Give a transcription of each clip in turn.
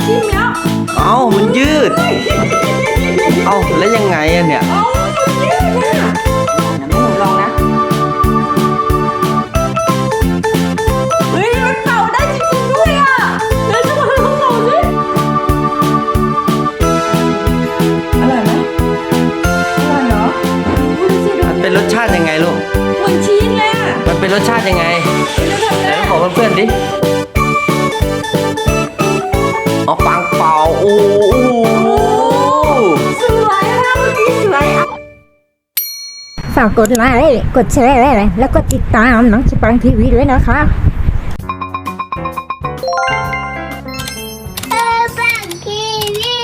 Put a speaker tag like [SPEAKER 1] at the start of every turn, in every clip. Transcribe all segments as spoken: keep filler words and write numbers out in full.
[SPEAKER 1] จิ้มแล้ว
[SPEAKER 2] เอ้ามันยืดเอ้าแล้วยังไงอะเนี่ย
[SPEAKER 1] เอ้ามันยืดอ่ะเดี๋ยวแม่หนูลองนะเฮ้ยมันเป่าได้จริงๆด้วยอ่ะเดี๋ยวจะมาลองเป่าสิอร่อยไหมอร่อยเหรอดูสิดู
[SPEAKER 2] มันเป็นรสชาติยังไงลูก
[SPEAKER 1] เหมือนชีสเลยอ่ะ
[SPEAKER 2] มันเป็นรสชาติยังไง
[SPEAKER 1] แล้วทำ
[SPEAKER 2] ไหน
[SPEAKER 1] ได้
[SPEAKER 2] บอกเพื่อนๆดิเอาปังเป่าโอ้โห
[SPEAKER 1] สวยอ่ะเมื่อกี้สวยอ่ะ
[SPEAKER 3] ฝากกดไลค์กดแชร์แล้วก็ติดตามน้องสปังทีวีด้วยนะคะ
[SPEAKER 4] เออบังทีวี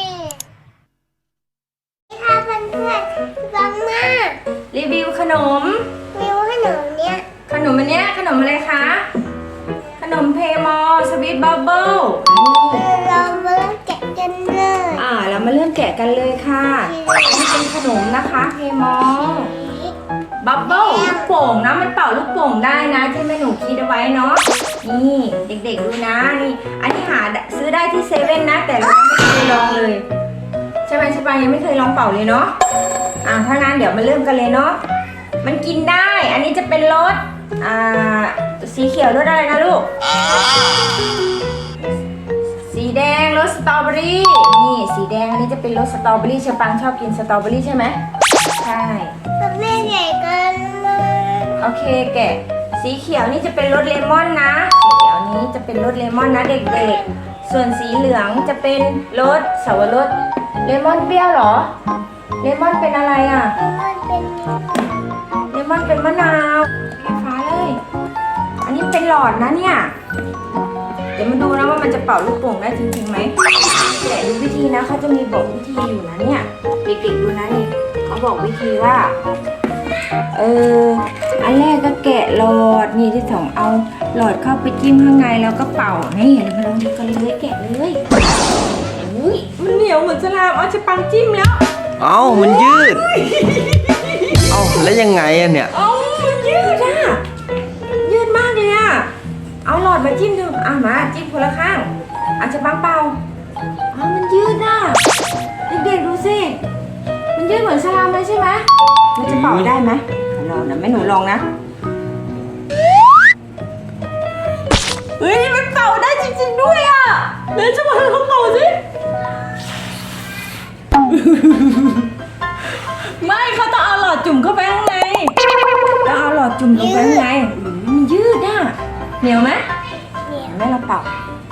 [SPEAKER 4] ค่ะเพื่อนๆฟังมา
[SPEAKER 1] รีวิวขนม
[SPEAKER 4] มิวขนมเนี้ย
[SPEAKER 1] ขนมอันเนี้ยขนมอะไรคะ ขนมเพมอลสวีทบับเบิ้ล
[SPEAKER 4] เรามาเริ่มแกะกันเลย
[SPEAKER 1] อ่าเรามาเริ่มแกะกันเลยค่ะนี่เป็นขนมนะคะเพมอลบับเบิ้ลลูกโป่งนะมันเป่าลูกโป่งได้นะที่แม่หนูคิดเอาไว้เนาะนี่เด็กๆดูนะนี่อันนี้หาซื้อได้ที่เซเว่นนะแต่เราไม่เคยลองเลยใช่ไหมใช่ปะยังไม่เคยลองเป่าเลยเนาะอ่าถ้างั้นเดี๋ยวมาเริ่มกันเลยเนาะมันกินได้อันนี้จะเป็นรสอ่าสีเขียวรสอะไรนะลูกสีแดงรสสตรอเบอรี่นี่สีแดงอันนี้จะเป็นรสสตรอเบอรี่เชอปังชอบกินสตรอเบอรี่ใช่ไหมใช่
[SPEAKER 4] แม่ใหญ่กันเลย
[SPEAKER 1] โอเคแกะสีเขียวนี่จะเป็นรสเลมอนนะสีเขียวนี้จะเป็นรสเลมอนนะเด็กๆส่วนสีเหลืองจะเป็นรสสับปะรดเลมอนเปรี้ยวเหรอเลมอนเป็นอะไรอ่ะ
[SPEAKER 4] มันเป็น
[SPEAKER 1] เลมอนเป็นมะนาวไฟฟ้าเลยอันนี้เป็นหลอดนะเนี่ยเดี๋ยวมาดูนะว่ามันจะเป่าลูกโป่งได้จริงๆไหมแกะดูวิธีนะเขาจะมีบอกวิธีอยู่นะเนี่ยเด็กๆดูนะนี่เขาบอกวิธีว่าเอออันแรกก็แกะหลอดนี่ที่สองเอาหลอดเข้าไปจิ้มข้างในแล้วก็เป่านี่เดี๋ยวมาลองดูกันเลยแกะเลยอุ้ยมันเหนียวเหมือนสลามเอาจะปังจิ้มแล้ว
[SPEAKER 2] เอ้ามันยืดเอ้าแล้วยังไงอะเนี่ย
[SPEAKER 1] เอ้ามันยืดอ่ะยืดมากเลยอ่ะเอาหลอดมาจิ้มดูอ่ะมาจิ้มคนละข้างอาจจะปังเป่าอ๋อมันยืดอ่ะเด็กๆดูสิมันยืดเหมือนสลามเลยใช่ไหมมันจะเป่าได้ไหมลองนะแม่หนูลองนะเฮ้ยมันเป่าได้จริงๆด้วยอ่ะเดี๋ยวจะมาลองเป่าสิไม่เขาต้องเอาหลอดจุ่มเข้าไปข้างในแล้วเอาหลอดจุ่มลงไปข้างในอืมมันยืดอ่ะเหนียวไหมเหนียวแม่เราเป่า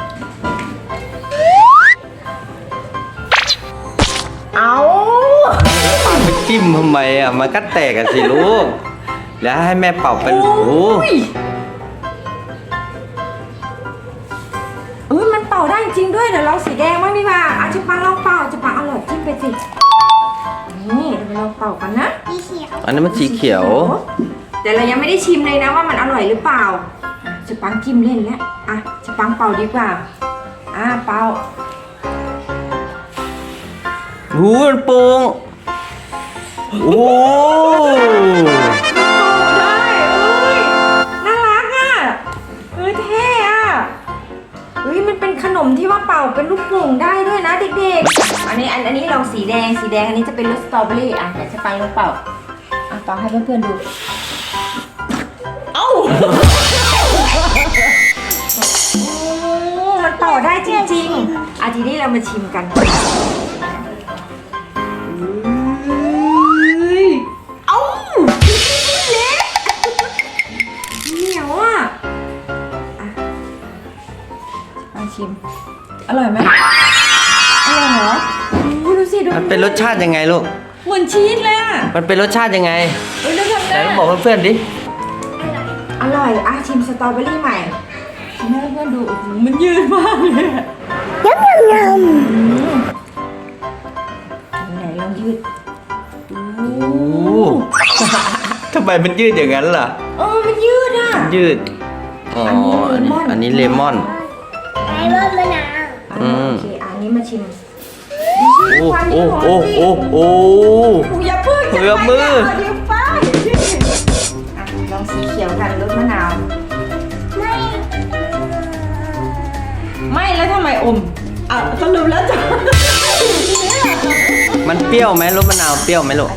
[SPEAKER 1] เอา
[SPEAKER 2] เอาไปจิ้มทำไมอะมันก็แตกกันสิลูกแล้วให้แม่เป่าเป็นโอ้โห
[SPEAKER 1] เอ้ยมันเป่าได้จริงด้วยเดี๋ยวลองสีแดงบ้างดีกว่าอาจะปังลองเป่าจะปังเอาหลอดจิ้มไปสินี่เดี๋ยวเราเป่ากันนะ
[SPEAKER 4] สีเขียว
[SPEAKER 2] อันนั้นมันสีเขียว
[SPEAKER 1] แต่เรายังไม่ได้ชิมเลยนะว่ามันอร่อยหรือเปล่าอ่ะจะปังจิ้มเล่นแล้วอ่ะจะปังเป่าดีกว่าอ่ะเป่า
[SPEAKER 2] หูมันโป่งโอ้
[SPEAKER 1] ได้เอ้ยน่ารักอ่ะเอ้ยเท่อ่ะเฮ้ยมันเป็นขนมที่ว่าเป่าเป็นลูกโป่งได้ด้วยนะเด็กๆอันนี้อันอันนี้ลองสีแดงสีแดงอันนี้จะเป็นรสสตรอเบอรี่อ่ะเดี๋ยวจะปังลองเป่าอ่ะเป่าให้เพื่อนๆดูเอ้าโอ้มันเป่าได้จริงๆอ่ะทีนี้เรามาชิมกันเอ้าเละเหนียวอ่ะอ่ะมาชิมอร่อยไหมอร่อยเหรออู้ดูสิดู
[SPEAKER 2] มันเป็นรสชาติยังไงลูก
[SPEAKER 1] เหมือนชีสเลยอ่ะ
[SPEAKER 2] มันเป็นรสชาติยังไง
[SPEAKER 1] เอ้ยแล้วทำ
[SPEAKER 2] ไหน
[SPEAKER 1] ได้
[SPEAKER 2] บอกเพื่อนๆดิ
[SPEAKER 1] อร่อยอ่ะชิมสตรอเบอรี่ใหม่ชิมให้เพื่อนๆดูโอ้โหมันยืดมากเลยอะ
[SPEAKER 4] ยำยำย
[SPEAKER 1] ไหนลองยืด
[SPEAKER 2] โอ้ทำไมมันยืดอย่างนั้นล่ะ
[SPEAKER 1] เออมันยืดอ่ะ
[SPEAKER 2] ยืดอ๋ออันนี้อันนี้เลมอน
[SPEAKER 4] ำไอ้รสมะนาว
[SPEAKER 2] อืม
[SPEAKER 1] โอเคอันนี้มาชิม
[SPEAKER 2] โอ้โอ้โอ้โอ้โอ้
[SPEAKER 1] อย่าเพิ่ง
[SPEAKER 2] เผื่อมือ
[SPEAKER 1] เดี๋ยวไปอ่ะลองสีเขียวกันรสมะนาว
[SPEAKER 4] ไม่
[SPEAKER 1] ไม่แล้วทำไมอมอ่ะสรุปแล้วจ้ะ
[SPEAKER 2] มันเปรี้ยวไหมรสมะนาวเปรี้ยวไหมลูก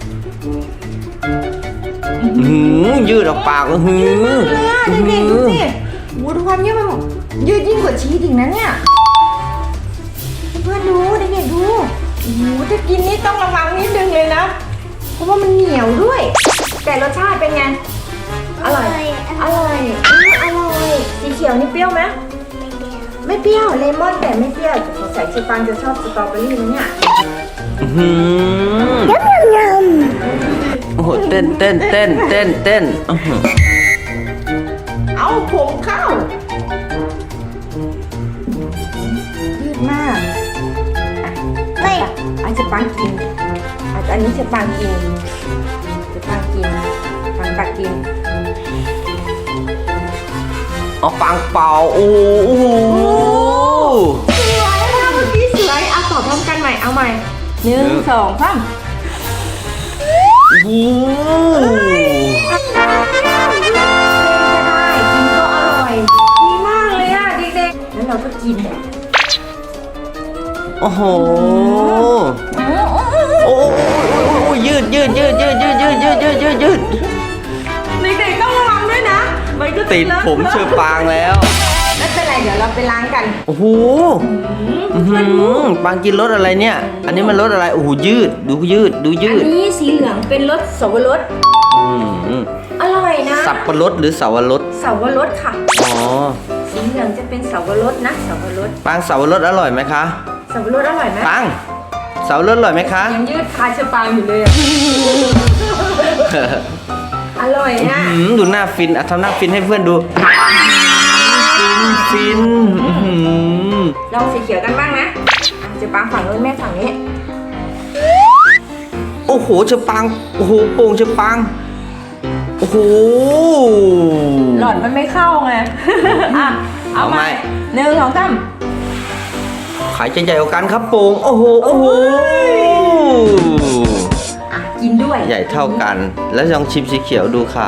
[SPEAKER 2] หืมยืดออกปากก็หื
[SPEAKER 1] ยืดมาก
[SPEAKER 2] ม
[SPEAKER 1] เลยอ่ะเด็กๆดูสิโอ้ดูความยืดมันยืดยิ่งกว่าชีสอีกนะเนี่ยเพื่อนดูเด็กๆดูโอ้โหถ้ากินนี่ต้องระวังนิดนึงเลยนะเพราะว่ามันเหนียวด้วย แต่รสชาติเป็นไงอร่อยอร่อยอืมอร่อยสีเขียวนี่เปรี้ยวไหมไม่เปรี้ยวเลมอนแต่ไม่เปรี้ยวสงสัยชิปันจะชอบสตรอเบอรี่นะเนี่ย
[SPEAKER 2] หืมโอ้โหเต้นเต้นเต้นเต้นเต้นอื้อหือ
[SPEAKER 1] เอาผมเข้ายืดมาก
[SPEAKER 4] ไม่
[SPEAKER 1] อันจะปังกินอันอันนี้จะปังกินจะปังกินปังตักกิน
[SPEAKER 2] เอาปังเป่าโอ้โห
[SPEAKER 1] สวยนะเมื่อกี้สวยเอาตอบพร้อมกันใหม่เอาใหม่หนึ่งสองสาม
[SPEAKER 2] โอ้โห
[SPEAKER 1] ก็ได้กินก็อร่อยดีมากเลยอ่ะเด็กๆแล้วเราก็กิน
[SPEAKER 2] โอ้โห
[SPEAKER 1] อืม
[SPEAKER 2] โอ้โหยืดยืดยืดยืดยืดยืดยืดยืดยืดยืด
[SPEAKER 1] เด็กๆต้องระวังด้วยนะมันก็
[SPEAKER 2] ติดผมเชือปางแล้ว
[SPEAKER 1] ไม่เป็นไรเดี๋ยวเราไปล้างกัน
[SPEAKER 2] โอ้โหอื้อหือปางกินรสอะไรเนี่ย อันนี้มันรสอะไร โอ้โหยืด ดูยืด ดูยื
[SPEAKER 1] อั
[SPEAKER 2] ด
[SPEAKER 1] นนี้สีเหลืองเป็นรสสวรส
[SPEAKER 2] อืม
[SPEAKER 1] อร่อยนะ
[SPEAKER 2] สับปะรดหรือเสาวรส
[SPEAKER 1] สวรสค่ะ
[SPEAKER 2] อ๋อ
[SPEAKER 1] สีเหลืองจะเป็นสวรสนะสวรส
[SPEAKER 2] ปางเสาวรสอร่อยไหมคะ
[SPEAKER 1] สวรสอร่อยไหม
[SPEAKER 2] ปางเสาวรสอร่อยไหมคะ
[SPEAKER 1] ยังยืดคาชะปางอยู่เลยอะ อร่อยนะ
[SPEAKER 2] อืมดูหน้าฟินอ่ะทำหน้าฟินให้เพื่อนดู ฟินฟินอื้อหือ
[SPEAKER 1] ลองสีเขียวกันบ้างนะอ่ะจะปางฝั่งนู้นแม่ฝั่งนี้
[SPEAKER 2] โอ้โหเชอปาง โอ้โหโป่งเชอปาง โอ้โห
[SPEAKER 1] หลอดมันไม่เข้าไง อ่ะเอา
[SPEAKER 2] เอาไหม
[SPEAKER 1] ใหม่หนึ่งสองสาม
[SPEAKER 2] ใครจะใหญ่กว่ากันครับโป่ง โอ้โห โอ้โห
[SPEAKER 1] อ่ะกินด้วย
[SPEAKER 2] ใหญ่เท่ากัน แล้วลองชิมสีเขียวดูค่ะ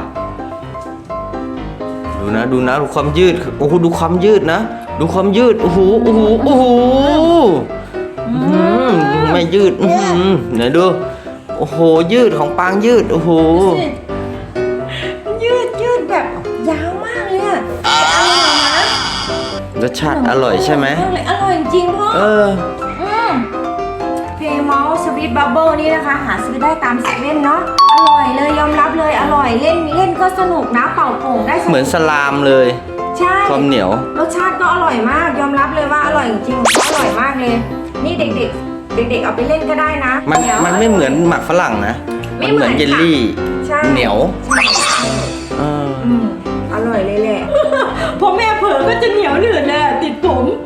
[SPEAKER 2] ดูนะ ดูนะ ดูความยืด โอ้โห ดูความยืดนะ ดูความยืด โอ้โห โอ้โห โอ้โหอื้อหือไม่ยืด อื้อหือไหนดู โอ้โห ยืดของปางยืด โอ้โห
[SPEAKER 1] ยืดยืดแบบยาวมากเลยอ่ะอร่อยนะ
[SPEAKER 2] รสชาติอร่อยใช่ไหม
[SPEAKER 1] อร่อยอร่อยจริงพ่อ
[SPEAKER 2] เออ
[SPEAKER 1] อืมเพย์มอลสวีทบับเบิลนี่นะคะ หาซื้อได้ตามเซเว่นเนาะอร่อยเลยยอมรับเลยอร่อยเล่นเล่นก็สนุกนะเป่าโป่งได้สนุก
[SPEAKER 2] เหมือนสลามเลย
[SPEAKER 1] ใช่
[SPEAKER 2] ความเหนียว
[SPEAKER 1] รสชาติก็อร่อยมาก ยอมรับเลยว่าอร่อยจริงๆอร่อยมากเลย นี่เด็กๆ เด็กๆเอาไปเล่นก็ได้นะ
[SPEAKER 2] มัน
[SPEAKER 1] ดี๋ยว
[SPEAKER 2] มันไม่เหมือนหมักฝรั่งนะ
[SPEAKER 1] ไม่
[SPEAKER 2] มันเหมือน
[SPEAKER 1] เหมือน
[SPEAKER 2] เยลลี่
[SPEAKER 1] ใช่
[SPEAKER 2] เหนียว
[SPEAKER 1] ใช่
[SPEAKER 2] เออ
[SPEAKER 1] อืมอร่อยเลยแหละ พอแม่เผลอก็จะเหนียวหนืดเลยติดผม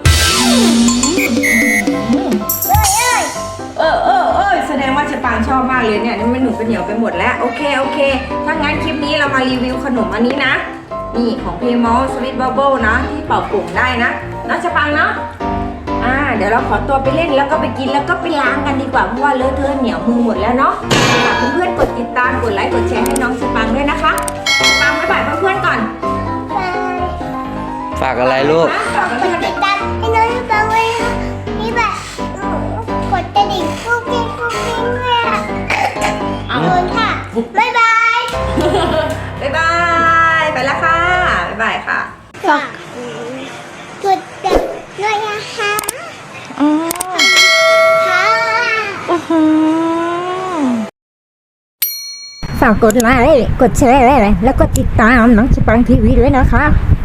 [SPEAKER 1] เออเออเออแสดงว่าเชปางชอบมากเลยเนี่ยนี่มันหนูเป็นเหนียวไปหมดแล้วโอเคโอเคถ้างั้นคลิปนี้เรามารีวิวขนมอันนี้นะ นี่ของเพมอลสวีทบับเบิลนะที่เป่าปุ่มได้นะนะเชปางเนาะอ่าเดี๋ยวเราขอตัวไปเล่นแล้วก็ไปกินแล้วก็ไปล้างกันดีกว่าเพราะว่าเลอะเทอะเหนียวมือหมดแล้วเนาะฝากเพื่อนๆกดติดตามกดไลค์กดแชร์ให้น้องเชปางด้วยนะคะตามบ๊ายบายเพื่อนๆก่อน
[SPEAKER 2] ฝากอะไรลูก
[SPEAKER 1] นะฝากเพื่อนๆ
[SPEAKER 4] ติดตามให้น้องที่ฟังไว้ค่ะนี่แบบกดกระดิ่งกุ๊กกิ๊งกุ๊กกิ๊งเลยอ่ะขอบคุณค่ะ บ๊ายบาย
[SPEAKER 1] บ๊ายบายไปแล้วค่ะบ๊ายบายค่ะ
[SPEAKER 4] ฝากกดติดด้วยนะคะค่ะ
[SPEAKER 3] ฝากกดไลค์ กดแชร์ แล้วก็ติดตามน้องสปังทีวีด้วยนะคะ